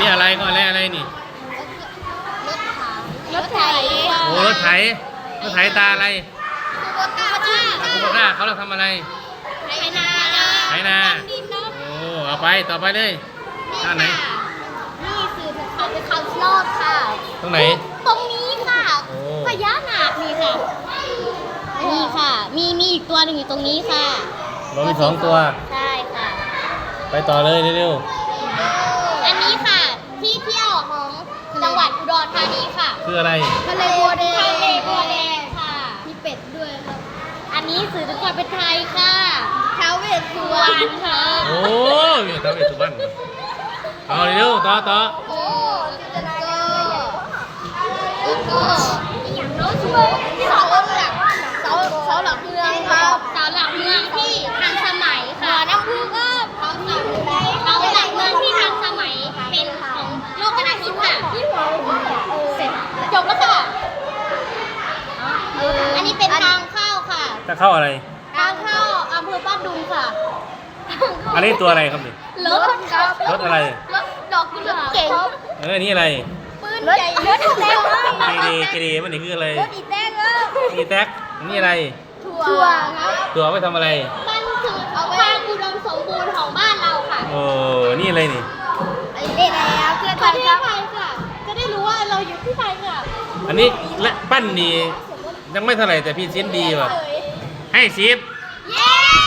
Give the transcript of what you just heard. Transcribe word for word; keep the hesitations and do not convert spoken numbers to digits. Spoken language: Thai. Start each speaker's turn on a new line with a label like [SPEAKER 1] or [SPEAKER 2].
[SPEAKER 1] นี้อะไรก็อะไรอะไรนี่
[SPEAKER 2] รถไถ
[SPEAKER 1] โอ้รถไถรถไถตาอะไร
[SPEAKER 2] คูโบต้าค่ะ
[SPEAKER 1] ตาคูโบต้าเขาเราทำอะไร
[SPEAKER 2] ไถนา
[SPEAKER 1] ไถนา
[SPEAKER 2] ดินเนาะ
[SPEAKER 1] โอ้เอาไปต่อไปเลยท่าไหน
[SPEAKER 2] นี่คือเขาเป็นเขาชอบค่ะ
[SPEAKER 1] ตรงไหน
[SPEAKER 2] ตรงนี้ค่ะ
[SPEAKER 1] โอ้
[SPEAKER 2] พญานาคนี่ค่ะ นี่ค่ะ มีมีอีกตัวหนึ่งอยู่ตรงนี้ค่ะ
[SPEAKER 1] เรามีสองตัว
[SPEAKER 2] ใช่ค่ะ
[SPEAKER 1] ไปต่อเลยเร็ว
[SPEAKER 2] อันนี้ค่ะ ที่เที่ยวของจังหวัดอุดรธานีค่ะ
[SPEAKER 1] ๆคืออะไร
[SPEAKER 2] ทะเลบัวแดงทะเลบัวแดงค่ะ มีเป็ดด้วยครับ อันนี้สื่อถึงความเป็นไทยค่ะท้าวเวสสุวรรณค่ะ
[SPEAKER 1] โอ้ยมีตาเวทสุวรรณเอาเร็วๆต่อต่อ
[SPEAKER 2] โอ้จินตนาการแล้วก็อีกอย่างน้อยช่วยเสาหลักเสาเสาหลักเมืองครับเสาหลักเมืองที่ทันสมัยค่ะน้ำพุก็เสาหลักเสาหลักเมืองที่ทันสมัยเป็นของโลกนาทิพย์ค่ะเสร็จจบแล้วค่ะอันนี้เป็นทางเข้าค่ะ
[SPEAKER 1] จะเข้าอะไร
[SPEAKER 2] ทางเข้าอำเภอบ้านดุงค่ะ
[SPEAKER 1] อันนี้ตัวอะไรครับนี่
[SPEAKER 2] รถครับ
[SPEAKER 1] รถอะไร
[SPEAKER 2] รถดอกกุหลาบเก่ง
[SPEAKER 1] เออนี่อะไร
[SPEAKER 2] ปืนใหญ่รถอีแตง
[SPEAKER 1] เจดีเจดีมันนี่คืออะไร
[SPEAKER 2] รถอีแตงครับ
[SPEAKER 1] นี่แท็กนี่อะไร
[SPEAKER 2] ถั่วครับ
[SPEAKER 1] ตัวไว้ทำอะไร
[SPEAKER 2] มันคือความอุดมสมบูรณ์ของบ้านเราค่ะ
[SPEAKER 1] โอ้นี่อะไรนี่
[SPEAKER 2] ไอ้เด็กแล้วเพื่อนประเทศไทยค่ะ จะได้รู้ว่าเราอยู่ที่ไทยค่ะ
[SPEAKER 1] อันนี้และปั้นนี่ยังไม่เท่าไหร่แต่พี่เซียนดีว่ะให้สิบ